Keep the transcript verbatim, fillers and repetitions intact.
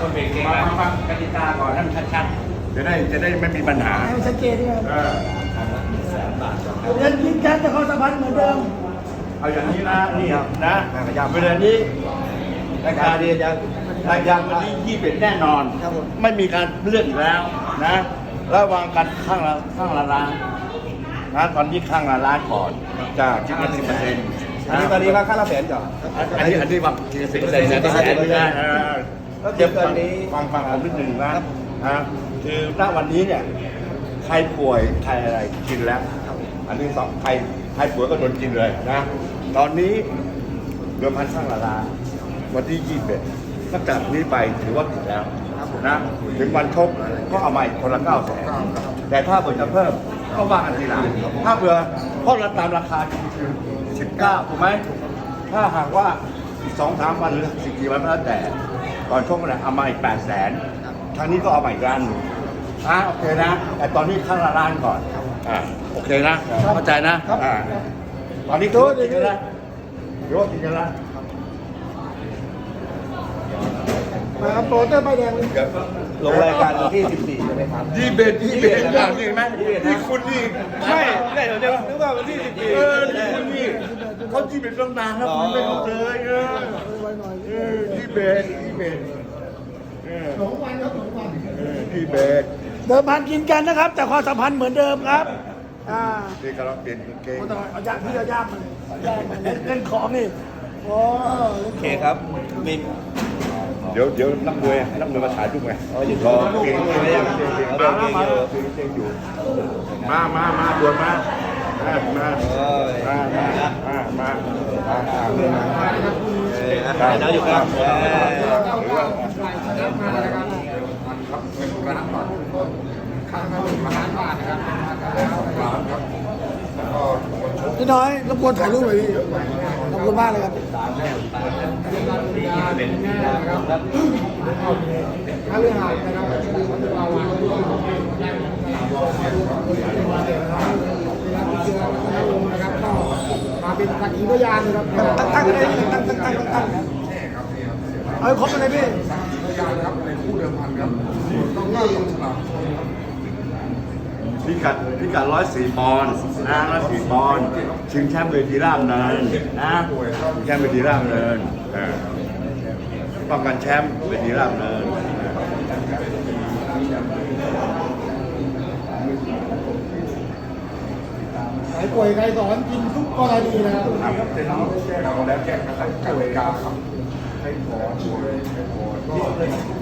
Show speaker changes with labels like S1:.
S1: คนเบรกเก่งมาฟังกติกาก่อนให้มันชัดๆจะได้จะได้ไม่มีปัญหา
S2: ให้มันชัดเจนด้วย
S1: เออ
S2: เรียนยิงแก๊สแต่เขาสัมพันธ์เหมือนเดิม
S1: เอาอย่างนี้นะนี่นะเวลานี้รายการเรียนยังรายการวันนี้ยี่สิบแน่นอนไม่มีการเลื่อนแล้วนะระวังกันข้างละข้างละล้านนะตอนนี้ข้างละล้านก่อนจะคิดละสิบเปอร์เซ็นต์
S3: อันนี้ตอนนี้ว่าค่าละแสนก่อน
S1: อันนี้อันนี้ว่าสิบเปอร์เซ็นต์นะที่แสนนะเดี๋ยวฟังฟังฟังผมนิดหนึ่งนะนะคือณวันนี้เนี่ยใครป่วยใครอะไรกินแล้วอันนี้สองใครใครป่วยก็โดนกินเลยนะตอนนี้เดือนพันข้างละล้านวันที่ยี่สิบเอ็ดตั้งแต่นี้ไปถือว่าผิดแล้วนะถึงวันชกก็เอามาอีกคนละเก้าแสนแต่ถ้าเผื่อจะเพิ่มก็ว่ากันทีหลังถ้าเผื่อเพราะเราตามราคาคือสิบเก้าถูกไหมถ้าหากว่าอีกสองสามวันหรือสิบกี่วันก็แล้วแต่ตอนชกเนี่ยเอามาอีกแปดแสนทางนี้ก็เอามาอีกล้านหนึ่งอ่ะโอเคนะแต่ตอนนี้ข้างละล้านก่อนอ่าโอเคนะเข้าใจนะอ่าตอนนี้คือกินกันแล้วรู้ว่ากินกันแล้ว
S2: มาโปรเตอร์ใบแดงเลย
S3: ลงรายการวันที่สิบสี่ใช่ไหมครับ
S1: ยี่เบ็ดยี่เบ็ดอย่างนี้ไหมนี่คุณนี่ไม่
S3: ได้เดี๋ยวเดี๋ยวนึกว่าวันที่สิบสี่
S1: เออนี่คุณนี่เขายี่เบ็ดตั้งนานแล้วคุณไม่เข้าเลยเออเออยี่เบ็ดยี่เบ็ด
S2: สองวันครับสองวัน
S1: ยี่เบ็ด
S2: เดิมพันกินกันนะครับแต่ความสัมพันธ์เหมือนเดิมครับอ่า
S1: นี่กำลังเปลี่ยนเกง
S2: เอายากพี่เอายากมาเลยยากมาเล่นของนี่โอ้
S3: โอเคครับมี
S1: เดี๋ยวเดี๋ยวนักมวยนักมวยมาถ่ายรูปไงรอเก่งไม่ยังเก่งเก่งมาแล้วมาแล้วเก่งเก่งอยู่มามามาด่วนมามามามามามา
S3: ได้แล้วอยู่ครับ
S2: พี่น้อยรบกวนถ่ายรูปหน่อยพี่ขอบคุณมากเลยครับถ้าเรื่องหายนะครับเรามาเป็นสักขีพยานนะครับตั้งตั้งอะไรตั้งตั้งตั้งตั้งตั้งเอาครบอะไรพี่พยานครับในคู่เดิมพันครับต้องเล่าตรงฉลาก
S1: พิกัดพิกัดร้อยสี่ปอนด์นะร้อยสี่ปอนด์ชิงแชมป์เวทีร่างเนินนะชิงแชมป์เวทีร่างเนินป้องกันแชมป์เวทีร่างเนิน
S2: ใครป่วยใครสอนกินทุกกรณีนะครับ
S1: เป็นน้องแก้เราแล้วแก้กระทั่งกติกาครับให้ขอป่วยให้ขอ